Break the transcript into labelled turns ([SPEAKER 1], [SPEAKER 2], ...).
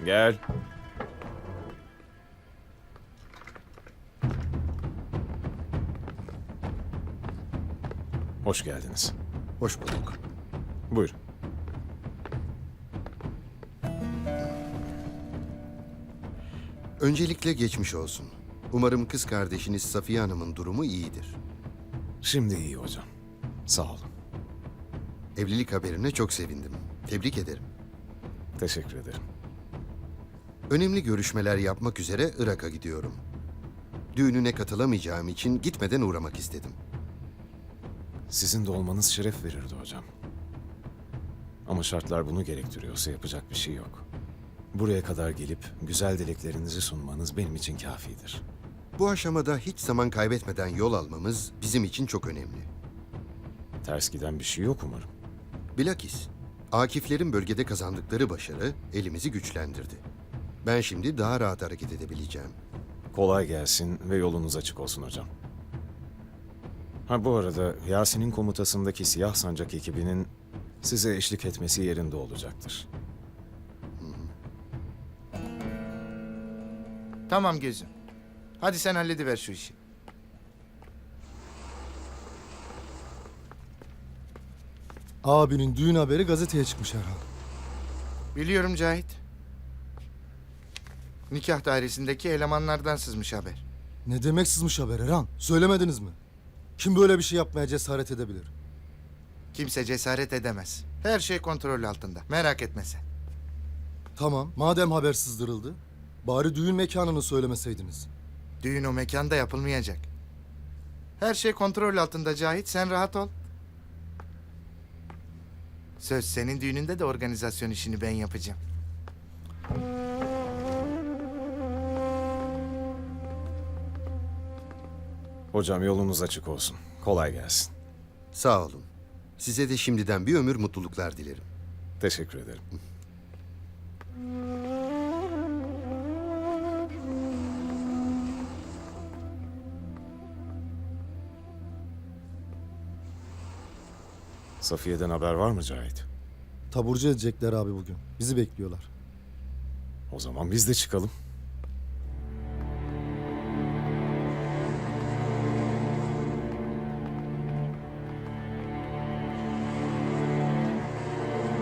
[SPEAKER 1] Gel. Hoş geldiniz.
[SPEAKER 2] Hoş bulduk.
[SPEAKER 1] Buyurun.
[SPEAKER 2] Öncelikle geçmiş olsun. Umarım kız kardeşiniz Safiye Hanım'ın durumu iyidir.
[SPEAKER 1] Şimdi iyi hocam. Sağ olun.
[SPEAKER 2] Evlilik haberine çok sevindim. Tebrik ederim.
[SPEAKER 1] Teşekkür ederim.
[SPEAKER 2] Önemli görüşmeler yapmak üzere Irak'a gidiyorum. Düğününe katılamayacağım için gitmeden uğramak istedim.
[SPEAKER 1] Sizin de olmanız şeref verirdi hocam. Ama şartlar bunu gerektiriyorsa yapacak bir şey yok. Buraya kadar gelip güzel dileklerinizi sunmanız benim için kafidir.
[SPEAKER 2] Bu aşamada hiç zaman kaybetmeden yol almamız bizim için çok önemli.
[SPEAKER 1] Ters giden bir şey yok umarım.
[SPEAKER 2] Bilakis Akiflerin bölgede kazandıkları başarı elimizi güçlendirdi. Ben şimdi daha rahat hareket edebileceğim.
[SPEAKER 1] Kolay gelsin ve yolunuz açık olsun hocam. Ha bu arada Yasin'in komutasındaki Siyah Sancak ekibinin size eşlik etmesi yerinde olacaktır.
[SPEAKER 3] Tamam gözüm. Hadi sen hallediver şu işi.
[SPEAKER 4] Abinin düğün haberi gazeteye çıkmış herhalde.
[SPEAKER 3] Biliyorum Cahit. Nikah dairesindeki elemanlardan sızmış haber.
[SPEAKER 4] Ne demek sızmış haber Erhan? Söylemediniz mi? Kim böyle bir şey yapmaya cesaret edebilir?
[SPEAKER 3] Kimse cesaret edemez. Her şey kontrol altında. Merak etme sen.
[SPEAKER 4] Tamam, madem haber sızdırıldı, bari düğün mekanını söylemeseydiniz.
[SPEAKER 3] Düğün o mekanda yapılmayacak. Her şey kontrol altında Cahit. Sen rahat ol. Söz senin düğününde de organizasyon işini ben yapacağım.
[SPEAKER 1] Hocam yolunuz açık olsun. Kolay gelsin.
[SPEAKER 2] Sağ olun. Size de şimdiden bir ömür mutluluklar dilerim.
[SPEAKER 1] Teşekkür ederim. Safiye'den haber var mı Cahit?
[SPEAKER 4] Taburcu edecekler abi bugün. Bizi bekliyorlar.
[SPEAKER 1] O zaman biz de çıkalım.